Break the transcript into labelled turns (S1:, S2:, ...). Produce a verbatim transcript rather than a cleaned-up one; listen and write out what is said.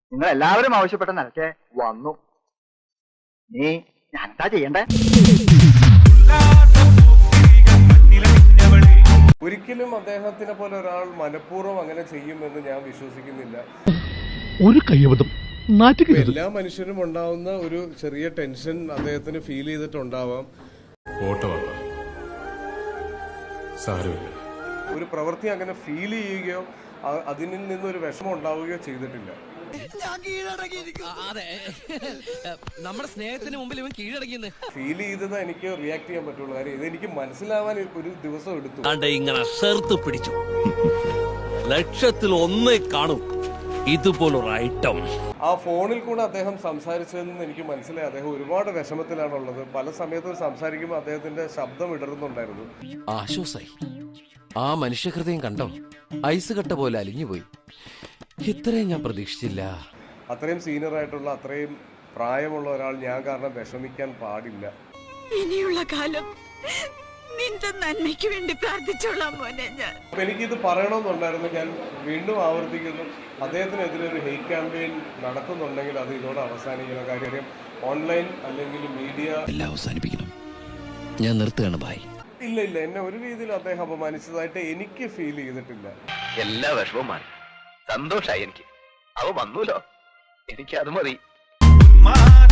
S1: നിങ്ങൾ എല്ലാവരും ആവശ്യപ്പെട്ട നിലയ്ക്ക് വന്നു. നീ ഞാൻ എന്താ ചെയ്യണ്ടേ?
S2: ഒരിക്കലും അദ്ദേഹത്തിനെ പോലെ ഒരാൾ മനഃപൂർവ്വം അങ്ങനെ ചെയ്യുമെന്ന് ഞാൻ വിശ്വസിക്കുന്നില്ല. ഒരു കയ്യബദ്ധം. എല്ലാ മനുഷ്യരും ഉണ്ടാവുന്ന ഒരു ചെറിയ ടെൻഷൻ അദ്ദേഹത്തിന് ഫീൽ ചെയ്തിട്ടുണ്ടാവാം. ഒരു പ്രവൃത്തി അങ്ങനെ ഫീൽ ചെയ്യുകയോ അതിൽ നിന്നൊരു വിഷമം ഉണ്ടാവുകയോ ചെയ്തിട്ടില്ല.
S3: നമ്മുടെ സ്നേഹത്തിന് മുമ്പിൽ ഇവൻ കീഴടങ്ങിയെന്ന്
S2: ഫീൽ ചെയ്തത് എനിക്ക് റിയാക്ട് ചെയ്യാൻ പറ്റുള്ളൂ. കാര്യം ഇതെനിക്ക് മനസ്സിലാവാൻ ഒരു ദിവസം എടുത്തു.
S3: ഇങ്ങനെ ചേർത്ത് പിടിച്ചു. ലക്ഷത്തിൽ ഒന്നേ കാണും ഇതുപോലൊരു ഐറ്റം.
S2: ആ ഫോണിൽ കൂടെ അദ്ദേഹം സംസാരിച്ചതെന്ന് എനിക്ക് മനസ്സിലായി. അദ്ദേഹം ഒരുപാട് വിഷമത്തിലാണുള്ളത്. പല സമയത്തും സംസാരിക്കുമ്പോൾ അദ്ദേഹത്തിന്റെ ശബ്ദം ഇടറുന്നുണ്ടായിരുന്നു.
S3: ആശ്വാസായി. ആ മനുഷ്യഹൃദയം കണ്ടോ, ഐസ് കട്ട പോലെ അലിഞ്ഞുപോയി. ഇത്രയും ഞാൻ പ്രതീക്ഷിച്ചില്ല.
S2: അത്രയും സീനിയർ ആയിട്ടുള്ള അത്രയും പ്രായമുള്ള ഒരാൾ ഞാൻ കാരണം വിഷമിക്കാൻ പാടില്ല.
S4: ഇനിയുള്ള കാലം നിന്റെ നന്മയ്ക്ക് വേണ്ടി പ്രാർത്ഥിച്ചോളാം മോനെ. ഞാൻ
S2: അപ്പൊ എനിക്കിത് പറയണമെന്നുണ്ടായിരുന്നു. ഞാൻ വീണ്ടും ആവർത്തിക്കുന്നു, അദ്ദേഹത്തിനെതിരെ ഒരു ഹെയ്റ്റ് ക്യാമ്പയിൻ നടത്തുന്നുണ്ടെങ്കിൽ അത് ഇതോടെ അവസാനിക്കണം. കാര്യം ഓൺലൈൻ അല്ലെങ്കിൽ മീഡിയ
S3: എല്ലാം അവസാനിപ്പിക്കണം. ഞാൻ നിർത്തുകയാണ് ബായ്.
S2: ഇല്ല ഇല്ല എന്നെ ഒരു രീതിയിൽ അദ്ദേഹം അപമാനിച്ചതായിട്ട് എനിക്ക് ഫീൽ ചെയ്തിട്ടില്ല.
S1: എല്ലാ വിഷമവും മാറി, സന്തോഷായി എനിക്ക്. അവ വന്നൂലോ, എനിക്ക് അത് മതി.